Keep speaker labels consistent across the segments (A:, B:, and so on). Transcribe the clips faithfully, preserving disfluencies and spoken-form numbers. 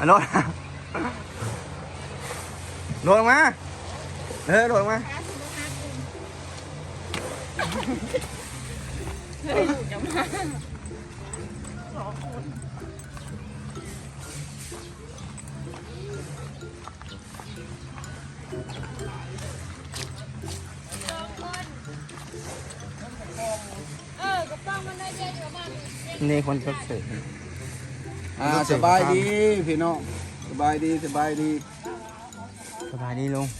A: โดดโดดมาเออโดดมานี่คนก็เสร็จ
B: อ่าสบายดีพี่น้องสบายดีสบายดี
A: สบายดีลุง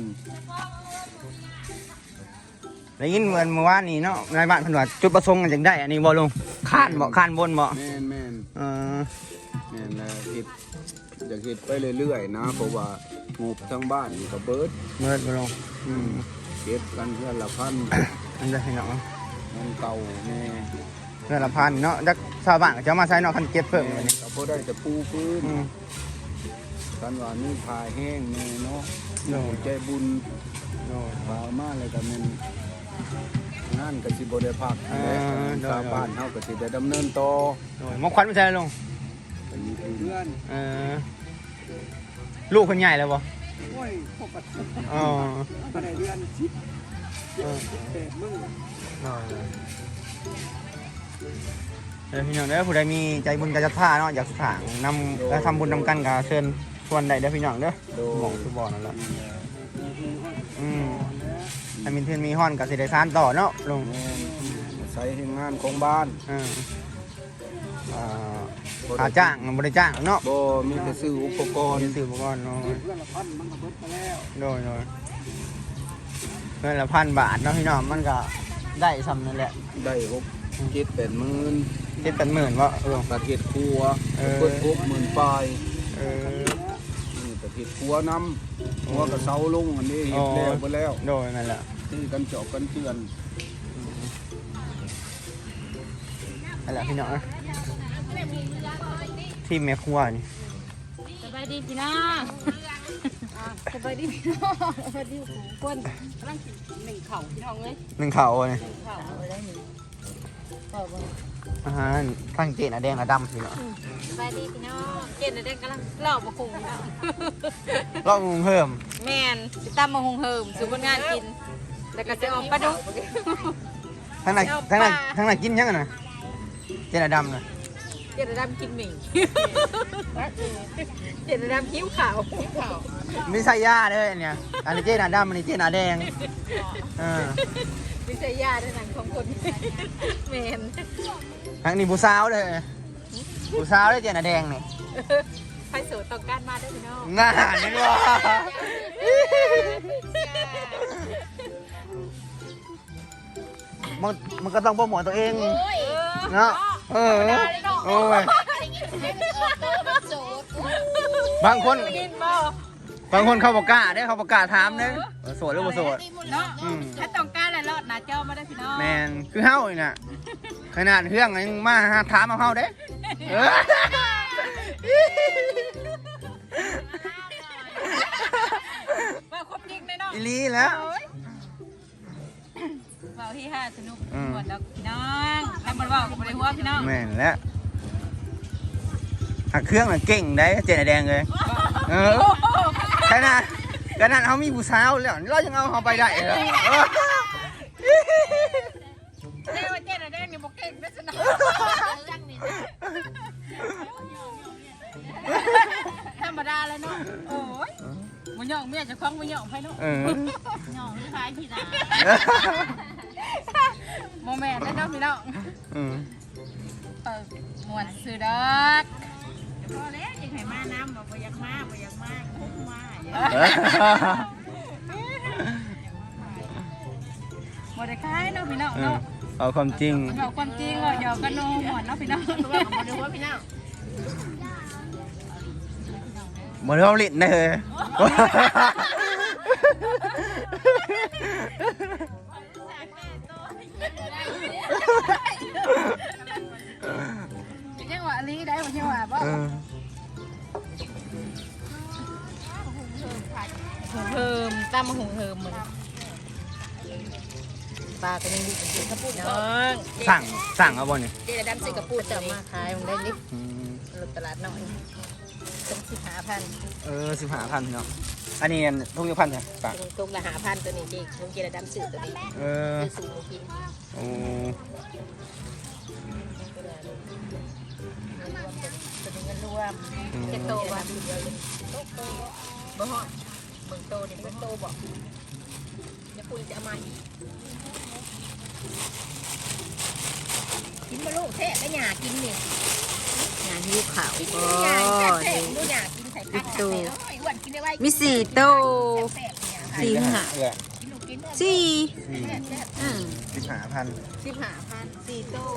A: ได้ยินเหมือนเมื่อวานนี้เนาะในบ้านเพิ่นว่าจุดประสงค์จังได้อันนี้บ่ลุงคานบ่คานบนบ่
B: แม่นแม่น
A: เออ
B: แม่นแล้วคิดอยากคิดไปเรื่อยๆนะเพราะว่างูทั้งบ้านก็เบิด
A: เบิดบ่ลุง
B: อืมเก็บกันเพื่อนละพัน
A: อันเด้อพี่น้อง
B: เงินเก่าแน่
A: เพื่อนละพันเนาะจักชาวบ้านก็จะมาใช้เนาะคันเก็บเพิ่มบัดนี้
B: ก็บ่ได้แต่ปูพื้นกันว่านี่พาแห้งแน่เนาะโอ้ใจบุญโอ้พามาเลยก็แม่นงานก็สิบ่ได้พักชาวบ้านเฮาก็สิได้ดำเนินต่อ
A: โอ้ยมอควันไม่ใช่ลุง
B: เป็นเพื่อน
A: เออลูกคนใหญ่แล้วบ่
B: โอ้ยปกติ
A: อ๋อ
B: บ่ได้เดือนสิบเออแปดมื้อ
A: อ๋อเดี๋ยวพี่น้องเด้อผู้ใดมีใจบุญใจศรัทธาเนาะอยากสร้างนำและทำบุญนำกันก็เชิญชวนได้เด้อพี่น้องเด้อหม่องคือบ่อนั่นแหละอืมถ้ามีเพื่อนมีฮ้อนก็สิได้สานต่อเนาะลุง
B: ใช้ให้งานของบ้าน
A: เอออ่าหาจ้างบ่ได้จ้างเนาะ
B: บ่มีแต่ซื้ออุปกรณ์
A: ซื้ออุปกรณ์เนาะ
B: เพื่อนละพันมันก็เบิดไปแล้ว
A: โดยโดยเพื่อนละพันบาทเนาะพี่น้องมันก็ได้ซ้ำนั่นแหละ
B: ได้หกเจ็ดแปดหมื่น
A: เจ็ดแปดหมื่นวะ
B: ลงประเทศครัวเปิดหกหมื่นปลาย
A: เออ
B: นี่ประเทศครัวนำหัวกระเซาลงอันนี้เห็นแล้วไปแล้ว
A: โดยนั่นแหละ
B: ที่กันเจาะกันเตือน
A: นั่นแหละพี่น้องที่แม่ครัวนี่
C: สบายดีพี่น้องสบายดีพี่น้องสบายดีคนกำลังกินหนึ่งเข่าพี่น้องเลย
A: หนึ่งเข่าเลย
C: หนึ่งเข่าอะไรหนึ่งเข่าบ้าง
A: อาหารทั้งเจนอะแดงอะดำพี่น้อง
C: สบายดีพี่น้องเจนอะแดงกำลังเล่าบะคุงพี่น้อง
A: เล่ามุงเพิ่ม
C: แมนสิตั้มบะคุงเพิ่มสู่คนงานกินแล้วก็จะออกปลาดุก
A: ทั้งไหนทั้งไหนทั้งไหนกินยังไงนะเจนอะดำนะ
C: เจนอะดำกินหมี่เจนอะดำคิ้วขาวคิ้วขาว
A: ไม่ใช่ยาเลยเนี่ยอันนี้เจนอะดำอันนี้เจนอะแดงอ่า
C: ไม่ใช่ยาด้วยหนังของคนแมน
A: ทั้งนี้บูซาวเลยบูซาวเลยเจนอะแดงนี่
C: ไฟโสดต้องการมาได้พี่น้อง
A: น่านี่ว่ามันมันก็ต้องโปรโมทตัวเองเนาะเออโอ้ยบางคนบางคนเขาบอกกล้าได้เขาบอกกล้าถามเนี่ยโสดหรือบ่โสด
C: เนาะถ้าต้องการอะไรรอดหน้าจอมาได้พี่น้อง
A: แมนคือเฮ้าเลยน่ะขนาดเครื่องยังมาถามเอาเฮ้าเด้
C: ว่าครบจริงเลยเนาะ
A: อีลีแล้ว
C: เบาที่ห้าสนุกหมดแล้วพี่น้องแล้วมันว่าบริหัวพี่น้อง
A: แม่นแล้วหักเครื่องน่ะเก่งได้เจนแดงเลยเออขนาดขนาดเขามีผู้สาวแล้วเรายังเอาเขาไปได้เหรอ
C: เจ้าเจนแดงนี่บอกเก่งได้สนุกธรรมดาเลยเนาะโอ้ยมันหยอกเมียจะคล้องมันหยอกไปเนาะหยอกที่ท้ายที่ตาโมเมนต์ได้เนาะพี่น้องเปิดมวนซื้อดอกพอแล้วยังให้มาน้ำบอกว่าอยากมาบอกอยากมาคุ้มมาหมดได้ขายเนาะพี่น้องเนาะ
A: เอาความจริง
C: เอาความจริงเลยหยอกกันโน้หมดเนาะพี่น้องตัวของมันดูว่าพี่น้อง
A: เหมือนเราลิ้นเลย
C: ยังว่าลีได้บ่ยังว่าบ่หุงเฮิมตามมาหุงเฮิมมันปลาก็ยังดีกินกระปุกน้อง
A: สั่งสั่งเอาบ่นี่
C: เจ๊ดำใส่กระปุกจะมาขายมันได้นิดตลาดน้อยเป็นสิบห้าพัน
A: เออสิบห้าพันเนาะอันนี้ทุกยี่พันใช่ปะ
C: ตุกละห้าพันตัวนี้จริงลุงกินระดำสื่อตัวนี้
A: เออ
C: คือสูงกิน
A: โอ้
C: ตัวนี้เงินรวมเจ็ดโตบ่บ่ฮอดเบิ่งโตนี่เบิ่งโตบ่เดี๋ยวคุณจะเอามาอีกกินมาลูกเทะก็หยากินนี่หยาหิวขาวก็หยาแซ่บๆดูหยากินใส่ผักโตอ้วนกินได้ไว้
D: มีสี่โต
C: แซ่บๆเนี่ย
D: สี่หา
A: เออ
C: กินลูกกินเด้อ
D: สี่
A: สี่
C: แซ่บๆ
D: อืม
A: สิบห้าพัน
C: สิบห้าพันสี่ตู้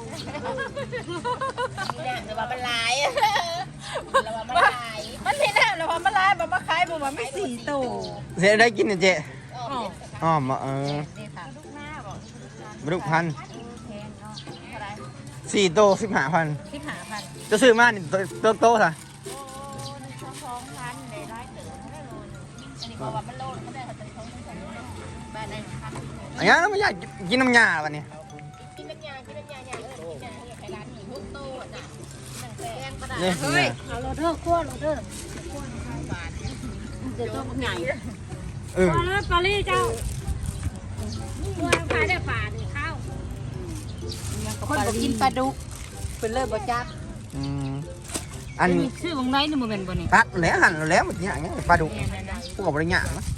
C: นี่แหละแต่ว่ามันลายเราว่ามันลายมันไม่ได้เราว่ามันลายมันมาขายมันว่าไม่สี่ตู้
A: เจ๊ได้กินเนี่ยเจ๊
C: อ๋อ
A: อ้อมเออ
C: นี่ค่ะลูกหน้าบอก
A: บรุกพัน
C: แพงเนาะเท่าไหร่
A: สี่โตสิบห้าพัน
C: สิบห้าพัน
A: จะซื้อมานี่โตโตๆค่ะ
C: โอ้หนึ่งสองสองพันในร้อยเต๋อไม่ได้โลนอันนี้บอกว่ามันโลนเขาได้เขาจะท้องทั้งสองโลบ้านไหนพัน
A: อันนี้เราไม่อยากกินน้ำยาวันนี้
C: กินน้ำยากินน้ำยาใหญ่เออกินน้ำยาใหญ่ร้านหนึ่งทุกตู้น่ะหนังแพงกระดาษ
A: เนี่ย
C: เฮ้ยเอาโรเดอร์ขั้วโรเดอร์ขั้วข้าวบาทเดี๋ยวต้องใหญ่
A: เออ
E: พอแล้วปารีเจ้าตัวขายได้ฝาหนึ่งข้าว
C: คนบอกกินปลาดุกเป็นเลิศบ่จัก
A: อืมอัน
E: ชื่อวงไรนี่มันเป็นบ่นี่
A: ตัดแล้วหั่นแล้วมันอย่างเงี้ยปลาดุกพวกกับบริญญาณ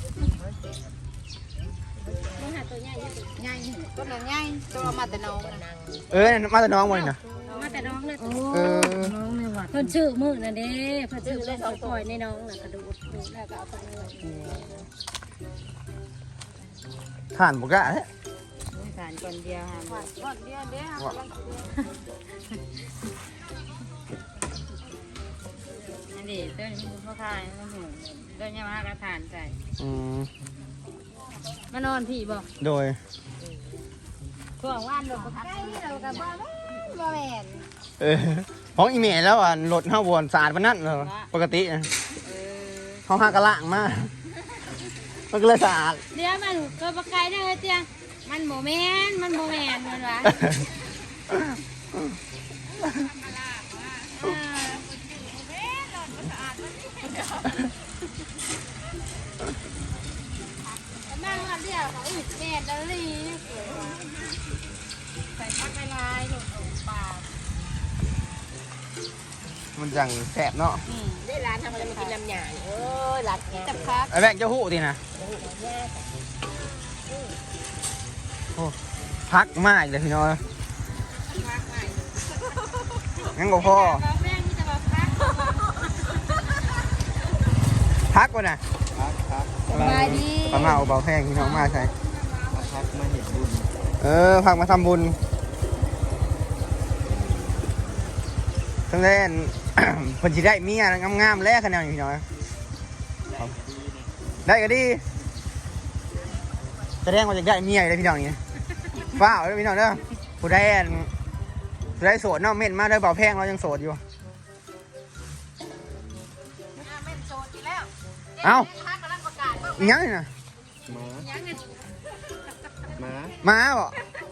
E: มันหาตัวใหญ่
C: ใหญ่ต้นนั้นใหญ่ตัวมาแต่น้องนะ
A: เออมาแต่น้องวันนี้นะ
E: มาแต่น้องเลย
A: เออ
E: น้องในวัดเพิ่นชื่อมือนั่นเด้เพิ่นชื่อเล่นเอาปล่อยในน้องน่ะกระดูกแล้วก็เอาไปเลย
A: ผ่านบุกะเนี่ย
E: สารก่อนเดียวค่ะ
C: ก่อนเดียวเดียว
E: อันนี้ตัวนี้มันพ่อขายมันหูตัวยามากระถานใส่
A: อืม
E: มานอนพี่บ่
A: โดย
E: ช่วงว่านลง
C: ใกล้เรากับบ้าบ่แม่น
A: เออของอีเมลแล้วอ่ะรถห้าวนสะอาดปานนั้นเหรอปกตินะ
E: เออ
A: เขาห้ากระล่างมากมันก็เลยสะอาด
E: เดี๋ยวมันก็บ่ไกลเด้อเตี้ยมันบ่แม่นมันบ่แม่นมันว่าเออนั่งมาเดียวเขาอีกแม่ดลี
C: ใส่ผักลายหนูปลา
A: มันจังแสบเนาะ
C: ได้ร้านทำอะไรมากินน้ำหยาเออร้านนี้จับคัก
A: ไอ้แบงค์เจ้าหู้ทีนะโอ้พักมากเลยพี่น้อยงั้นก็พ่อ
E: แม่นี่จะมาพัก
A: พักก่อนนะ
B: พักพัก
C: สบายดี
A: ปลาเมาเบาแพงพี่น้องมาใช่
B: พักมาเห็นบุญ
A: เออพักมาทำบุญทั้งเล่น ผลสิได้เมียงามๆแล้วคะแนนอยู่พี่น้อยได้ก็ดีแสดงว่าจะได้เมียเลยพี่น้องนี่ว้าวเลยพี่น้องเด้อผู้ได้อันผู้ได้โสดเนาะเม่นมาเด้อเบาแพงเรายังโสดอยู่
C: แม่นโซนอีกแล้ว
A: เอ้า
C: พักกำลังประกาศว่า
A: อีหยังนี่นะ
B: หมา
C: ยังไง
B: หมา
A: มาบ่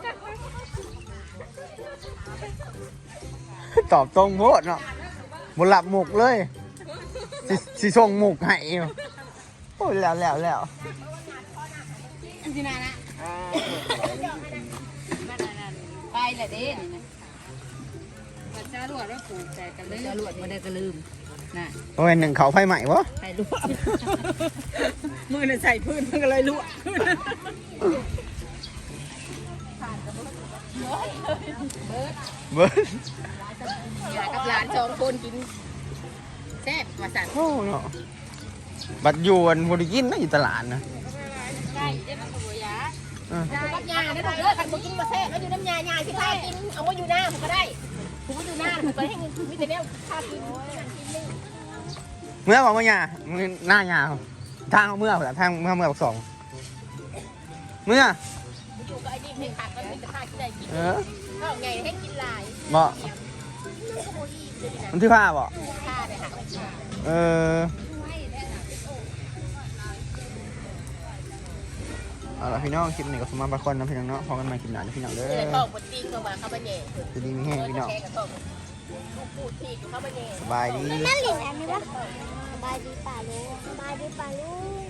A: ตอบตรงโพดเนาะบนหลับหมุกเลยสิสิส่งหมุกให้อยู่โอ้ยแล้วแล้วแล้ว
C: อันที่นานะ
B: อ้าว
C: ไปแหละเด้นี่นะ
E: มันจะรวดว่าปลูกแต่กันเลย
C: จะหลวดมาได้ก็ลืม
E: น่ะ
A: โอ้ยหนึ่งเขาไฟใหม่วะ
C: ใส่ลวดมือน่ะใส่พื้นมันก็เลยลวด
A: เบิร์ด
C: อยากกับหลานสองคนกินแซ่บมาสั่ง
A: โอ้เนาะบัดอยวนบริกินนะอยู่ตลาดนะ
E: ได้เดี๋ยวมันก็บ่ยา
A: เออ
C: น้ำยาได้ถูกเลือกกันมากินมาแซ่บแล้วอยู่น้ำยายายที่ข้ากินเอามาอยู่หน้าผมก็ได้ผมก็อยู่หน้าผมก็ให้เงินมีแต่แนวข้ากิน
A: เมื่อบอกว่าหยามือหน้าหยาทางเอาเมื่อเหรอทางเมื่อเมื่อบอกสองเมื่อ
C: อยู่กับไอ้นี่เพลงขาดก็มีแต่ข้ากินได้กิน
A: เออ
C: ก็ไงให้กินลาย
A: บอกมันที่ผ้าบอก
C: ข้าเนี่ยค่ะ
A: เออเอาละพี่น้องคลิปนี้ก็สมมาบางคนนะพี่น้องเนาะพอกันใหม่คลิปหน้าเดี๋ยวพี่น้องเด้อ
C: เลยทองบนตีนก็มาเข้าไปเนี่ย
A: จะดีมีแห้งพี่น้อง
C: แค่กับทองปูดถีบเข้าไปเนี่ย
A: สบายดี
D: นั่นหลินอันนี้ปะสบายดีป่าลุงสบายดีป่าลุง